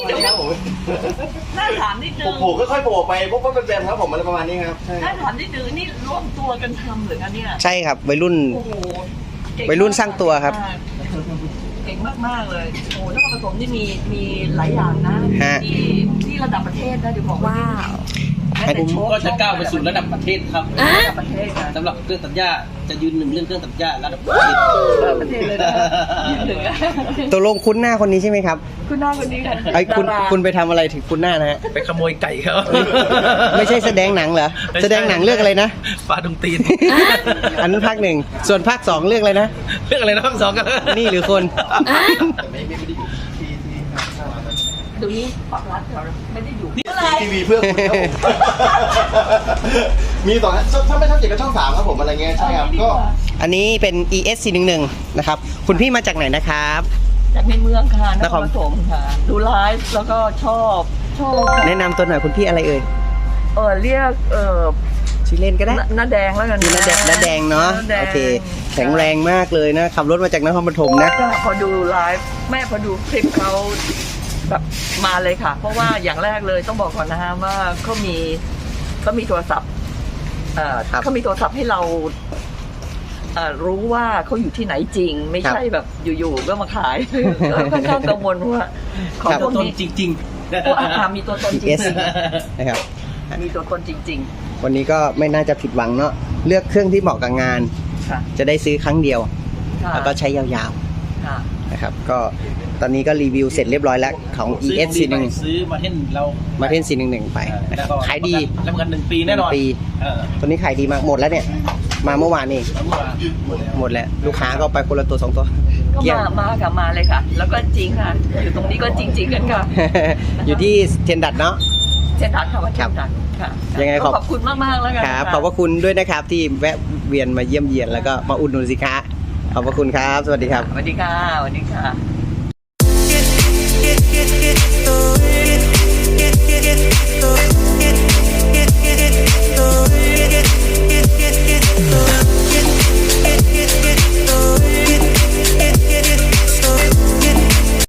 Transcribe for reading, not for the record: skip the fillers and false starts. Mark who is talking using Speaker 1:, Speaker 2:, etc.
Speaker 1: ครับผม
Speaker 2: น่าถามนิดนึง
Speaker 1: โผล่ค่อยๆโผล่ไปพวกมันเป็นครับผมอะไรประมาณนี้ครับ
Speaker 2: น่าถามนิดนึงนี่ร่วมตัวกันทำหรือคะเนี่ย
Speaker 3: ใช่ครับวัยรุ่น
Speaker 2: โอ้โหเก่ง
Speaker 3: วัยรุ่นสร้างตัวครับ
Speaker 2: เก่งมากๆเลยโอ้โหนครปฐมนี่มีหลายอย่างนะ
Speaker 3: ฮะ
Speaker 2: ที่ระดับประเทศนะเดี๋ยวบอกว่า
Speaker 3: ให้
Speaker 2: แต่โชว์
Speaker 4: ก็จะก้าวไปสู่ระดับประเทศครับ
Speaker 2: ระดับประเทศนะ
Speaker 4: สำหรับเครื่องตัดหญ้าจะยืนหนึ่งเรื่องเครื่องตัดหญ้าระดับประเทศ
Speaker 2: ประเทศเลยนะยืนหนึ่งอะ
Speaker 3: ตกลงคุ้นหน้าคนนี้ใช่ไหมครับ
Speaker 2: คุณหน้าคนนี้ค่ะ
Speaker 3: ไอ้ยคุณ
Speaker 2: ดารา
Speaker 3: คุณไปทำอะไรถึงคุ้นหน้านะฮะ
Speaker 4: ไปขโมยไก่เขา
Speaker 3: ไม่ใช่แสดงหนังเหรอ แสดงหนังเรื่องอะไรนะ
Speaker 4: ปลาดุงตีน
Speaker 3: อันนั้นภาคหนึ่งส่วนภาคสองเรื่องอะไรนะ
Speaker 4: เรื่องอะไรนะทั้งสองกัน
Speaker 3: นี่หรือคน
Speaker 2: เดี๋ยวนี้ปากรัดเราไม่ได้อยู่อะไร
Speaker 1: ทีวีเพื่อคุณครับผมมีสองถ้าไม่ช่อง7ก็ช่อง3ครับผมอะไรเงี้ยใช่ครับก็
Speaker 3: อันนี้เป็น ES 411นะครับ คุณพี่มาจากไหนนะครับ
Speaker 2: จากในเมืองค่ะน
Speaker 3: น
Speaker 2: ค
Speaker 3: ค
Speaker 2: ร
Speaker 3: ร
Speaker 2: ปฐมค่ะ ดูไลฟ์แล้วก็ชอบค่ะ
Speaker 3: แนะนำตัวหน่อยคุณพี่อะไรเอ่ย
Speaker 2: เรียก
Speaker 3: ชื่อเล่นก็ได้
Speaker 2: น้าแดงแล้วกัน
Speaker 3: พี่น้าแดงเนาะ
Speaker 2: น้แดง
Speaker 3: โอเค แข็งแรงมากเลยนะ ขับรถมาจากนครปฐมนะ
Speaker 2: ก็พอดูไลฟ์แม่พอดูคลิปเขาแบบมาเลยค่ะ เพราะว่าอย่างแรกเลยต้องบอกก่อนนะฮะว่าเขามีโทรศัพท์
Speaker 3: ครับ
Speaker 2: เขามีโทรศัพท์ให้เรารู้ว่าเขาอยู่ที่ไหนจริง ไม่ใช่แบบอยู่ๆก็มาขาย ค่อนข้างกังวลว่าของ
Speaker 3: ครับ
Speaker 2: พวก
Speaker 4: ต้น
Speaker 2: นี้
Speaker 4: จริง
Speaker 2: มีตัวตนจริง
Speaker 3: ES นะครับ
Speaker 2: มีตัวตนจริง
Speaker 3: วันนี้ก็ไม่น่าจะผิดหวังเนาะ เลือกเครื่องที่เหมาะกับงาน
Speaker 2: ๆ ค่ะ
Speaker 3: จะได้ซื้อครั้งเดียว
Speaker 2: ค่ะ
Speaker 3: แล้วก็ใช้ยาว
Speaker 2: ค่ะ
Speaker 3: ๆนะครับ ก็ตอนนี้ก็รีวิวเสร็จเรียบร้อยแล้วของ
Speaker 4: ๆซื้อ
Speaker 3: ES
Speaker 4: ของดีไป
Speaker 3: 411
Speaker 4: ซื้อมาเท่นเรา
Speaker 3: มาเทน411 ไปนะค
Speaker 4: แล้
Speaker 3: รั
Speaker 4: ว
Speaker 3: บ
Speaker 4: ก็
Speaker 3: ขายดี
Speaker 4: รับประกัน1 ปีแน่นอน
Speaker 3: 1 ปี ตัวนี้ขายดีมาก หมดแล้วเนี่ย มาเมื่อวานเอง
Speaker 4: แล้วเมื่อวานหมดแล้ว
Speaker 3: หมดแล้ว ลูกค้าก็ไปคนละตัว2 ตัว
Speaker 2: ก็
Speaker 3: เกลี้ยง
Speaker 2: มาเลยค่ะ แล้วก็จริงค่ะ อยู่ตรงนี้ก็จริง ๆ กันค่ะ
Speaker 3: อยู่ที่เทนดัดเนาะ
Speaker 2: เช่นทันค่ะว่าเช่นทันค่ะ
Speaker 3: ยังไง
Speaker 2: ก็ขอบคุณมากๆแล้วกัน
Speaker 3: ครับ
Speaker 2: ะ
Speaker 3: ขอบพระคุณด้วยนะครับที่แวะเวียนมาเยี่ยมเยียนแล้วก็มาอุดหนุนสินค้า ขอบพระคุณครับ สวัสดีครับ
Speaker 2: สวัสดีค่ะสวัสดีค่ะ